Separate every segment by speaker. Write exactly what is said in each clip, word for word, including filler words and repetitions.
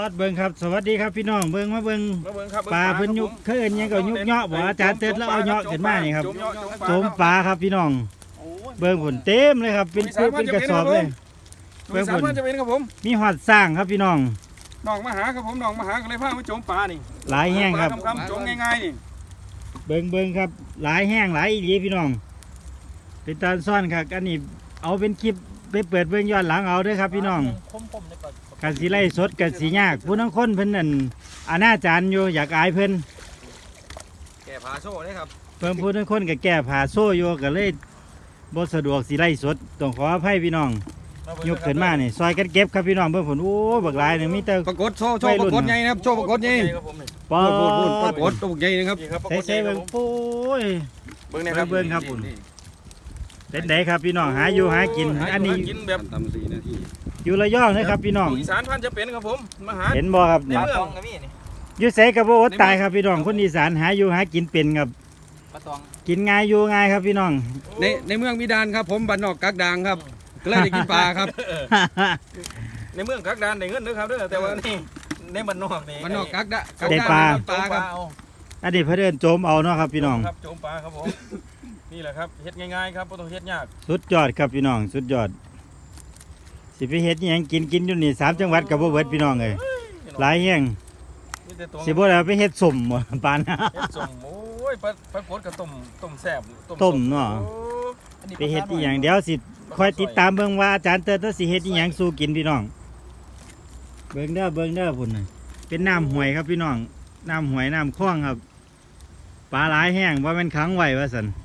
Speaker 1: ดเบิ่งครับสวัสดีครับพี่น้องเบิ่งมาเบิ่ง
Speaker 2: มาเบิ่งครับ
Speaker 1: ปลาเพิ่นยุกเคยเอิ้นหยังก็ยุกเหาะบ่อาจารย์เติร์ดแล้วเอาเหาะขึ้นมานี่ครับโจมปลาครับพี่น้องเบิ่งผลเต็มเลยครับเป็นคู่เป็นกระสอบเลยเบิ่งผล
Speaker 2: จะเป็นครับผม
Speaker 1: มีหอดสร้างครับพี่น้อง
Speaker 2: น้องมาหาครับผมน้องมาหาก็เลยพามาโจมปลานี่
Speaker 1: หลายแห้งครับ
Speaker 2: คำๆโจมง่ายๆนี่
Speaker 1: เบิ่งเบิ่งครับหลายแห้งหลายอีหลีพี่น้องเป็นตาซ่อนครับอันนี้เอาเป็นคลิปไปเปิดเบิ่งย้อนหลังเอาเด้อครับพี่น้องกันสิไล่สดกันสิยากผู้ทั้งคนเพิ่นนั่นอนาจารอยู่อยากอายเพิ่น
Speaker 2: แก่ผาโซ่เลยครับ
Speaker 1: เพิ่นผู้ทั้งคนก็แก้ผ้าโซ่อยู่ก็เลยบ่สะดวกสิไล่สดต้องขออภัยพี่น้องยกขึ้นมานี่ซอยกันเก็บครับพี่น้องเบิ่งผลโอ้บักหลายนี่มีแต่
Speaker 2: ปรากฏโชว์โชว์ปรากฏใหญ่นะครับโชว์ปรากฏใหญ่
Speaker 1: ปอ
Speaker 2: พูดพูดปรา
Speaker 1: ด
Speaker 2: กฏตัวใหญ่นะครับ
Speaker 1: ใส่ๆเบิ่งโอ้ย
Speaker 2: เบิ่งนะครับ
Speaker 1: เบิ่งครับผม เป็นไดครับพี่น้องหาอยู่หากินอันนี้
Speaker 2: กินแบบ
Speaker 3: ตำสี่นาที
Speaker 1: อยู่ระยองนะครับพี่น้อง
Speaker 2: อีสานพันจะเป็นครับผมมาหา
Speaker 1: เห็นบ่ครับ
Speaker 2: ในเมือง
Speaker 1: อยู่ไสก็บ่อดตายครับพี่น้องคนอีสานหาอยู่หากินเป็นครับกินง่ายอยู่ง่ายครับพี่น้อง
Speaker 3: ในในเมืองมิดานครับผมบ้านนอกกักดางครับก็เลยได้กินปลาครับ
Speaker 2: ในเมืองกักดานได้เงินนะครับเด้อแต่ว่านี่ในบ้านนอกนี่
Speaker 3: บ้านนอกกักดะกัก
Speaker 1: ได้
Speaker 3: ดาง
Speaker 1: ปลา
Speaker 3: ปลาครับ
Speaker 1: อันนี้เพิ่นเอิ้นโจมเอาเนาะครับพี่น้อง
Speaker 2: ครับโจมปลาครับผมนี่แหละครับเฮ็ดง่ายๆครับบ่ต้องเฮ็ดยาก
Speaker 1: สุดยอดครับพี่น้องสุดยอดสิไปเฮ็ดอิหยังกินกินอยู่นี่สามจังหวัดก็บ่เบิดพี่น้องเอ้ยหลายแฮง
Speaker 2: มีแต่ตัว
Speaker 1: สิบ่ได้เอาไปเฮ็ดสมบ่ปานนะ
Speaker 2: เฮ็ดส้มโอ้ยปลาปลากดกับต้มต้มแซ่บ
Speaker 1: ต้มเนาะ
Speaker 2: โอ้
Speaker 1: ไปเฮ็ดอีหยังเดี๋ยวสิคอยติดตามเบิ่งว่าอาจารย์เติร์ดสิเฮ็ดอีหยังสู่กินพี่น้องเบิ่งเด้อเบิ่งเด้อพุ่นน่ะเป็นน้ำห้วยครับพี่น้องน้ำห้วยน้ำคลองครับปลาหลายแห้งว่ามันขังไว้ว่าซั่น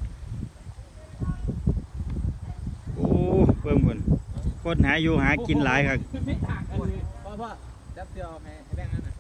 Speaker 1: โอ้เบิ่งพุ่นคนหาอยู่หากินหลายครับ
Speaker 3: พ่อพ่อจับเดียวให้แบ่งนั่นน่ะ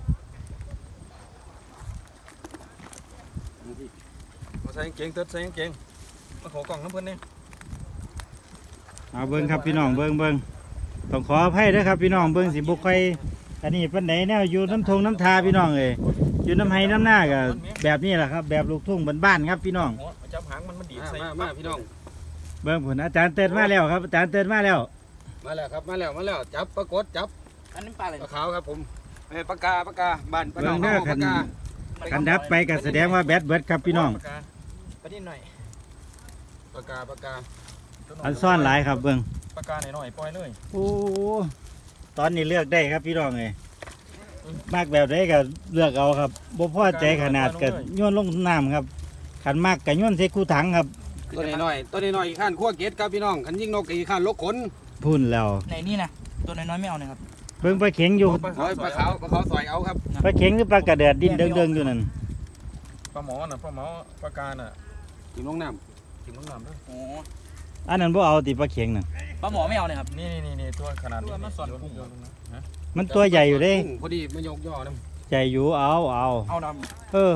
Speaker 2: มาใส่กางเกงเติดใส่กางเกงมาขอกล่องน้ำเพิ่นนี่
Speaker 1: เอาเบิ่งครับพี่น้องเบิ่งเบิ่งต้องขออภัยเด้อครับพี่น้องเบิ่งสิบ่ค่อยอันนี้ปานใดแนวอยู่น้ำทงน้ำทาพี่น้องเอ้ยอยู่น้ำไห้น้ำหน้าก็แบบนี้แหละครับแบบลูกทุ่งบ้านๆครับพี่น้อง
Speaker 2: หัวจับหางมันมันดีดใส่
Speaker 3: มามาพี่น้อง
Speaker 1: เบิ่งผลอาจารย์เติร์ดมาแล้วครับอาจารย์เติร์ดมาแล้ว
Speaker 3: มาแล้วครับมาแล้วมาแล้วจับปรากฏจับ
Speaker 4: อันนี้ปลาอะไร
Speaker 3: ปลาขาวครับผมเอ้ยปลากาปลากาบ้านปลาหนอง
Speaker 1: เบิ่งเด้อ
Speaker 3: ปลากา
Speaker 1: กันดับไปก็แสดงว่าแบตเบิดครับพี่น้อง
Speaker 4: ปลานิดหน่อย
Speaker 3: ปลากาปลากา
Speaker 1: อันซ่อนหลายครับเบิ่ง
Speaker 2: ปากกาหน่อยๆปล่อยเลย
Speaker 1: โอ้ตอนนี้เลือกได้ครับพี่น้องเอ้ยมากแบบใดก็เลือกเอาครับบ่พอใจขนาดก็โยนลงน้ำครับขันมากก็โยนใส่คูถังครับ
Speaker 3: ตัวน้อยๆตัวน้อยๆอีกข้านขั้วเกตครับพี่น้องขันยิงนกอีกข้านลกขน
Speaker 1: พุ่นแล้ว
Speaker 4: ในนี่นะตัวน้อยๆไม่เอานะครับ
Speaker 1: เบิ่งปลาเข็งอยู่
Speaker 3: โอ้ยปลาขาวปลาขาวสอยเอาครับ
Speaker 1: ปลาเข็งหรือปลากระเดือดดิ้นเด้งๆอยู่นั่น
Speaker 2: ปลาหมอน่ะปลาหมอปากกาน่ะ
Speaker 3: กินลงน้
Speaker 2: กินน้ำน้ำด้วย
Speaker 4: โอ้
Speaker 1: อันนั้นบ่เอาติปลาเข็งน่ะ
Speaker 4: ปลาหมอไม่เอาเลยครับ
Speaker 2: นี่นี่นี่ตัวขนาดนี้
Speaker 4: มันสอนกุ้ง
Speaker 2: ฮะ
Speaker 1: มันตัวใหญ่อยู่
Speaker 3: ำ
Speaker 1: เด้
Speaker 3: กุ้งพอดีมายกย่อน้
Speaker 1: ใหญ่อยู่เอาเอา
Speaker 4: เอาด
Speaker 1: เออ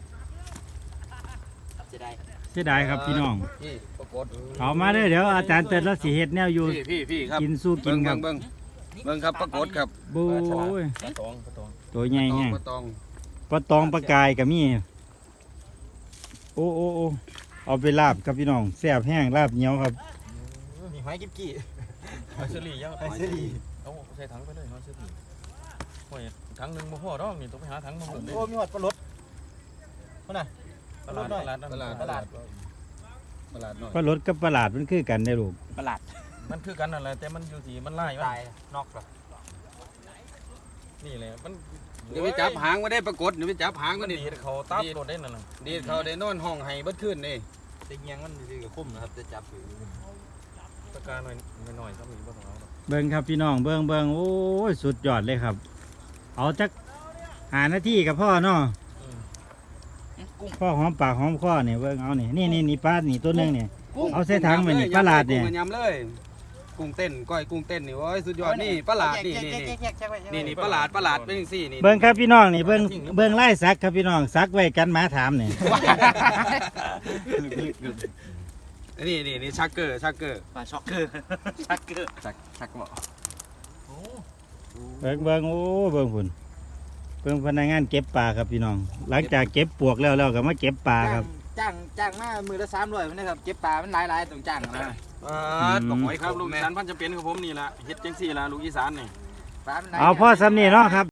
Speaker 4: ำจะได้
Speaker 1: เสียดายครับพี่น้อง
Speaker 3: ำพี่ปรากฏ
Speaker 1: เอามาเด้อเดี๋ยวอาจารย์เติร์ดแล้วสิเฮ็ดแนวอยู่
Speaker 3: พี่พี่พี่ครับ
Speaker 1: กินสู้กินครับ
Speaker 3: เบิ่งเบิ่งเบิ่งครับปรากฏครับ
Speaker 1: บูย
Speaker 2: ปลาตองปลาตอง
Speaker 1: ตัวใหญ่แฮง
Speaker 3: ปลาตอง
Speaker 1: ปลาตองปลากายก็มีโอ้โอ้โอ้เอาไปลาบครับพี่น้องแซ่บแห้งลาบเหนียวครับ
Speaker 4: มีหอยกิ๊บกี้
Speaker 2: หอยเชอรี่ยังหอยเชอรี่เอาใส่ถังไปเลยหอยเชอรี่หอยถังหนึ่งบ่พอดอกนี่ต้องไปหาถังมาหมดเลย
Speaker 4: โอ้มีหอดปลาลดคนน่ะ
Speaker 2: ตลาดตลาด
Speaker 3: ตลาด
Speaker 2: ตลาด
Speaker 3: ตลาดน้อย
Speaker 1: ปลารสกับปลาหลาดมันคือกันได้อลูก
Speaker 4: ประหลาด
Speaker 2: มันคือกันนั่นแหละแต่มันอยู่สีมันไล่
Speaker 4: ตายนอกเหรอ
Speaker 2: นี่แหละมัน
Speaker 3: เดี๋ยวไปจับหางมาได้ปรากฏเดี๋ยวไปจับหาง
Speaker 2: มั
Speaker 3: มาน
Speaker 2: ดี
Speaker 3: นี่
Speaker 2: ดเขาตับโดดได้นั่นน่ะ
Speaker 3: ดีดเขาได้นอนห้องไห้เบัดขึ้นนี่
Speaker 4: จะเงี้ยงมันคือกับคุ้มนะครับจะจับอยู่
Speaker 2: ปากกาหน่อยหน่อยๆครับมีบ่ต้องเอาหรอก
Speaker 1: เบิ่งครับพี่น้องเบิ่งเบิ่งโอ้ยสุดยอดเลยครับ เอาจักหานาทีกับพ่อเนาะ
Speaker 2: อืม
Speaker 4: กุ้ง
Speaker 1: พ่อหอมปากหอมคอเนี่ยเบิ่งเอานี่นี่นี่นี่ปลานี่ตัวหนึงเนี่ย
Speaker 3: กุ้ง
Speaker 1: เอาใส่ถังมานี่ปลาหลาดเนี่ย
Speaker 3: กุ้งยำเลยกุ้งเต้นก้อยกุ้งเต้นนี่โอ้ยสุดยอดนี่ปลาหลาดนี่นี่นี่นี่นี่ปลาหลาดปลาหลาดเป็นจังซี่นี่
Speaker 1: เบิ่งครับพี่น้องนี่เบิ่งเบิ่งไล่ซักครับพี่น้องซักไว้กันหมาถามนี่
Speaker 3: นี่นี่นี่ชักเกอร์ชักเกอร์
Speaker 4: ปลาช็อกเกอร์ช็อกเกอร์
Speaker 3: ชักชักบ่
Speaker 1: เบิ่งเบิ่งโอ้เบิ่งพุ่นเบิ่งพนักงานเก็บปลาครับพี่น้อง หลังจากเก็บปวกแล้วเราก็มาเก็บปลาครับ
Speaker 4: จ้างจ้างมามือละสามร้อยนะครับเก็บปลามันหลายๆต้องจ้างนะ
Speaker 2: อ่าบอกหอยครับลูกอีสานพันจะเป็นของผมนี่ล่ะเฮ็ดจังซี่ล่ะลูกอีสานนี่
Speaker 4: ปลามันหลาย
Speaker 1: เอาพ่อสำนีเนาะครับ